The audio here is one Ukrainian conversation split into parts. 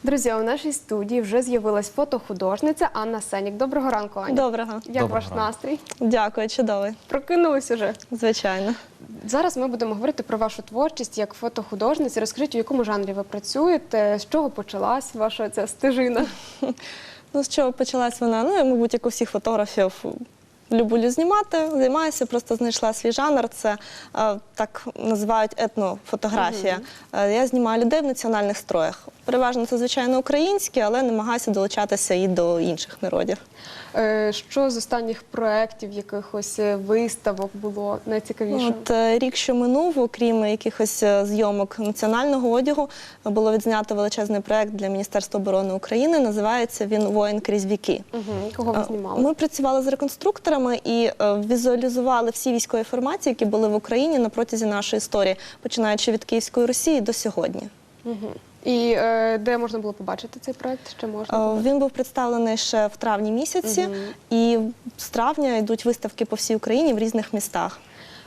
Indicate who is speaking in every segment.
Speaker 1: Друзі, у нашій студії вже з'явилась фотохудожниця Анна Сенік. Доброго ранку, Аня.
Speaker 2: Доброго.
Speaker 1: Як ваш настрій?
Speaker 2: Дякую, чудовий.
Speaker 1: Прокинулись уже?
Speaker 2: Звичайно.
Speaker 1: Зараз ми будемо говорити про вашу творчість як фотохудожниці. Розкажіть, у якому жанрі ви працюєте, з чого почалась ваша ця стежина?
Speaker 2: Ну, з чого почалась вона? Ну, я, мабуть, як у всіх фотографів, люблю знімати, займаюся, просто знайшла свій жанр. Це так називають етнофотографія. Я знімаю людей в національних строях. Переважно це, звичайно, українські, але намагаюся долучатися і до інших народів.
Speaker 1: Що з останніх проєктів, якихось виставок було найцікавіше?
Speaker 2: От рік, що минув, окрім якихось зйомок національного одягу, було відзнято величезний проєкт для Міністерства оборони України. Називається він «Воїн крізь віки».
Speaker 1: Кого ви знімали?
Speaker 2: Ми працювали з реконструкторами і візуалізували всі військові формації, які були в Україні на протязі нашої історії, починаючи від Київської Русі до сьогодні.
Speaker 1: І де можна було побачити цей проєкт? Ще можна?
Speaker 2: Він був представлений ще в травні місяці, і з травня йдуть виставки по всій Україні в різних містах.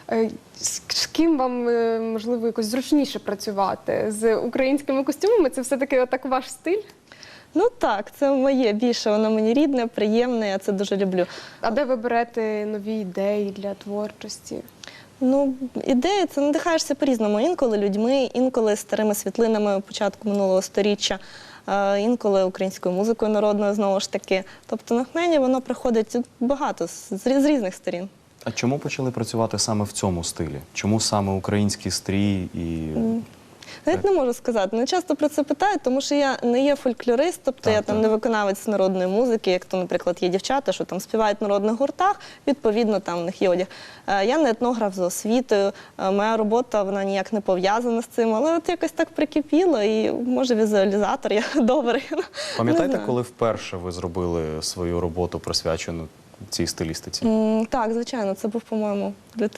Speaker 1: З ким вам, можливо, якось зручніше працювати? З українськими костюмами? Це все-таки отак ваш стиль?
Speaker 2: Ну так, це моє більше, воно мені рідне, приємне, я це дуже люблю.
Speaker 1: А де ви берете нові ідеї для творчості?
Speaker 2: Ну, ідеї, це надихаєшся по-різному. Інколи людьми, інколи старими світлинами початку минулого сторіччя, інколи українською музикою народною, знову ж таки. Тобто натхнення, воно приходить багато, з різних сторін.
Speaker 3: А чому почали працювати саме в цьому стилі? Чому саме український стрій і...
Speaker 2: Навіть не можу сказати. Не часто про це питають, тому що я не є фольклорист, тобто я там не виконавець народної музики, як то, наприклад, є дівчата, що там співають в народних гуртах, відповідно, там в них є одяг. Я не етнограф за освітою, моя робота, вона ніяк не пов'язана з цим, але от якось так прикипіло, і, може, візуалізатор я добрий.
Speaker 3: Пам'ятаєте, коли вперше ви зробили свою роботу, присвячену цій стилістиці?
Speaker 2: Так, звичайно, це був, по-моєму,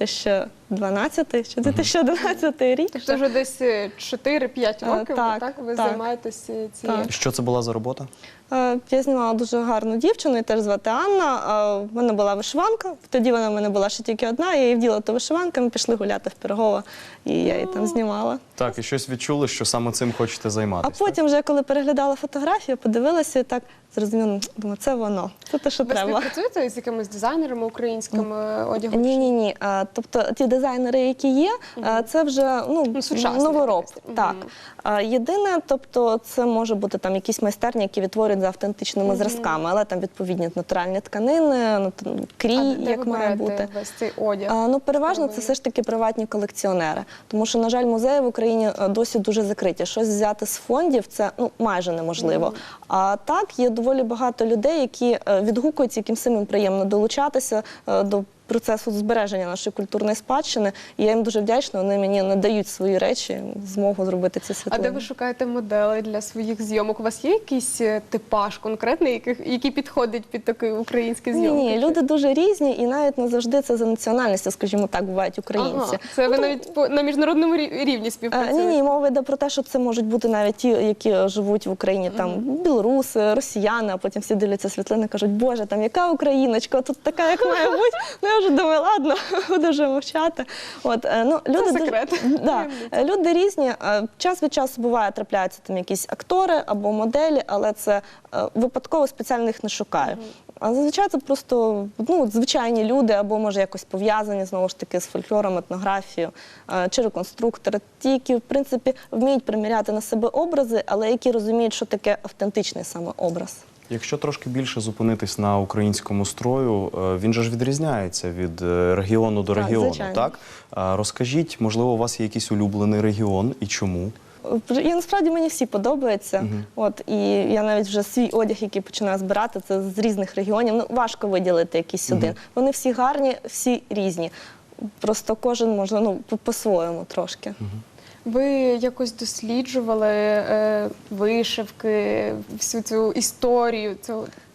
Speaker 2: 2012 чи 2011 рік.
Speaker 1: Тобто вже десь 4-5 років ви займаєтесь цією?
Speaker 3: Що це була за робота?
Speaker 2: Я знімала дуже гарну дівчину, її теж звати Анна. В мене була вишиванка, тоді вона в мене була ще тільки одна, я її вділа ту вишиванку, ми пішли гуляти в Пирогово, і я її там знімала.
Speaker 3: Так, і щось відчули, що саме цим хочете займатися?
Speaker 2: А потім вже, коли переглядала фотографію, подивилася і так зрозуміла, думаю, це воно, це те, що треба.
Speaker 1: Ви співпрацюєте з якимись дизайнерами українськими одягом?
Speaker 2: Ні. Тобто ті дизайнери, які є, це вже новороб. Так. Єдине, тобто це може бути там якісь майстерні, які відтворюють за автентичними зразками, але там відповідні натуральні тканини, крій, як має бути.
Speaker 1: А де ви берете весь цей одяг?
Speaker 2: Ну, переважно це все ж таки приватні колекціонери, тому що, на жаль, музеї в Україні досі дуже закриті. Щось взяти з фондів – це майже неможливо. А так, є доволі багато людей, які відгукуються, яким самим приємно долучатися до процесу збереження нашої культурної спадщини. І я їм дуже вдячна, вони мені надають свої речі, змогу зробити ці світлини.
Speaker 1: А де ви шукаєте моделей для своїх зйомок? У вас є якийсь типаж конкретний, який підходить під такий український зйомки?
Speaker 2: Ні, люди дуже різні, і навіть не завжди це за національністю, скажімо так, бувають українці.
Speaker 1: Це ви навіть на міжнародному рівні співпрацюєте?
Speaker 2: Ні, мова йде про те, що це можуть бути навіть ті, які живуть в Україні, там білоруси, росіяни, а потім всі дивляться світлини і кажуть, Боже, там яка україночка, тут така, як має бути. Я вже думаю, ладно, буду вже мовчати.
Speaker 1: Це секрет.
Speaker 2: Люди різні. Час від часу буває, трапляються там якісь актори або моделі, але це випадково, спеціально їх не шукаю. А зазвичай це просто звичайні люди, або, може, якось пов'язані, знову ж таки, з фольклором, етнографією, чи реконструктори. Ті, які, в принципі, вміють приміряти на себе образи, але які розуміють, що таке автентичний саме образ.
Speaker 3: Якщо трошки більше зупинитись на українському строю, він же ж відрізняється від регіону до регіону, так? Розкажіть, можливо, у вас є якийсь улюблений регіон і чому?
Speaker 2: І насправді мені всі подобаються. І я навіть вже свій одяг, який починаю збирати, це з різних регіонів. Важко виділити якийсь один. Вони всі гарні, всі різні. Просто кожен може по-своєму трошки.
Speaker 1: Ви якось досліджували вишивки, всю цю історію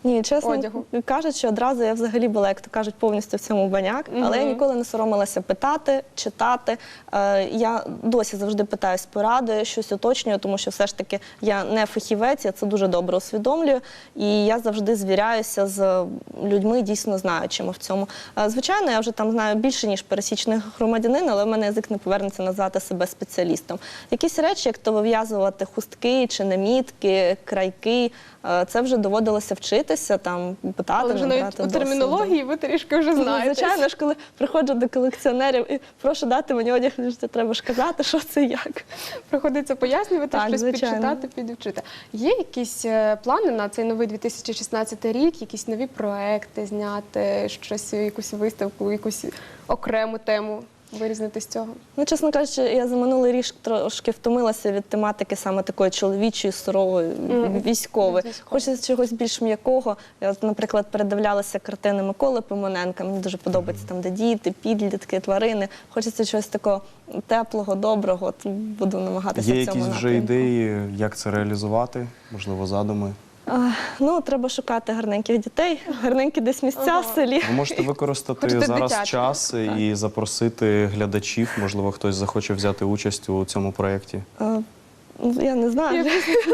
Speaker 2: Ні, чесно
Speaker 1: одягу?
Speaker 2: кажучи, одразу я взагалі була, як то кажуть, повністю в цьому баняк, але я ніколи не соромилася питати, читати. Я досі завжди питаюсь поради, щось уточнюю, тому що все ж таки я не фахівець, я це дуже добре усвідомлюю, і я завжди звіряюся з людьми, дійсно знаючими в цьому. Звичайно, я вже там знаю більше, ніж пересічний громадянин, але в мене язик не повернеться назвати себе спеціалістом. Якісь речі, як то вив'язувати хустки чи намітки, крайки, це вже доводилося вчитися, там, питати,
Speaker 1: Але вже
Speaker 2: набрати
Speaker 1: навіть у
Speaker 2: досвіду.
Speaker 1: термінології ви трішки вже
Speaker 2: Ну,
Speaker 1: знаєте.
Speaker 2: звичайно ж, коли приходжу до колекціонерів і прошу дати мені одяг, треба ж казати, що це як.
Speaker 1: Приходиться пояснювати,
Speaker 2: Так,
Speaker 1: щось
Speaker 2: звичайно.
Speaker 1: підчитати, підвчити. Є якісь плани на цей новий 2016 рік, якісь нові проекти зняти, щось, якусь виставку, якусь окрему тему вирізнити з цього?
Speaker 2: Ну, чесно кажучи, я за минулий рік трошки втомилася від тематики саме такої чоловічої, сурової, військової. Хочеться чогось більш м'якого. Я, от, наприклад, передивлялася картини Миколи Пимоненка. Мені дуже подобається там, де діти, підлітки, тварини. Хочеться чогось такого теплого, доброго. От буду намагатися
Speaker 3: Є
Speaker 2: в цьому
Speaker 3: якісь вже
Speaker 2: напрямку.
Speaker 3: ідеї, як це реалізувати? Можливо, задуми?
Speaker 2: Ну, треба шукати гарненьких дітей, гарненькі десь місця в селі.
Speaker 3: Ви можете використати
Speaker 1: Хочете
Speaker 3: зараз
Speaker 1: дитяче,
Speaker 3: час і запросити глядачів. Можливо, хтось захоче взяти участь у цьому проєкті.
Speaker 2: Я не знаю,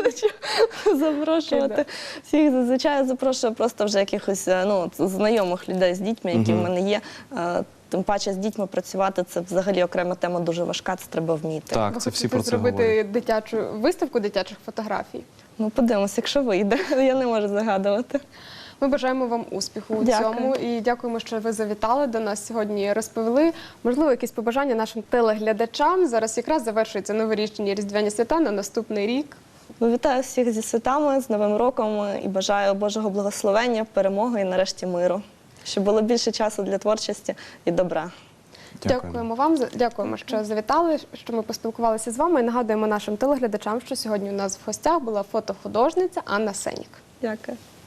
Speaker 2: запрошувати всіх. Зазвичай я запрошую просто вже якихось знайомих людей з дітьми, які в мене є. Тим паче з дітьми працювати – це взагалі окрема тема, дуже важка, це треба вміти.
Speaker 3: Так,
Speaker 1: Ви
Speaker 3: це всі
Speaker 1: хочете
Speaker 3: про це
Speaker 1: зробити
Speaker 3: говорять.
Speaker 1: дитячу виставку дитячих фотографій?
Speaker 2: Ну, подивимося, якщо вийде. Я не можу загадувати.
Speaker 1: Ми бажаємо вам успіху у
Speaker 2: Дякую.
Speaker 1: цьому і дякуємо, що ви завітали до нас сьогодні, розповіли. Можливо, якісь побажання нашим телеглядачам. Зараз якраз завершуються новорічні різдвяні свята на наступний рік.
Speaker 2: Вітаю всіх зі святами, з Новим роком і бажаю Божого благословення, перемоги і нарешті миру. Щоб було більше часу для творчості і добра.
Speaker 1: Дякуємо вам, дякуємо, що завітали, що ми поспілкувалися з вами. І нагадуємо нашим телеглядачам, що сьогодні у нас в гостях була фотохудожниця Анна Сенік.
Speaker 2: Дякую.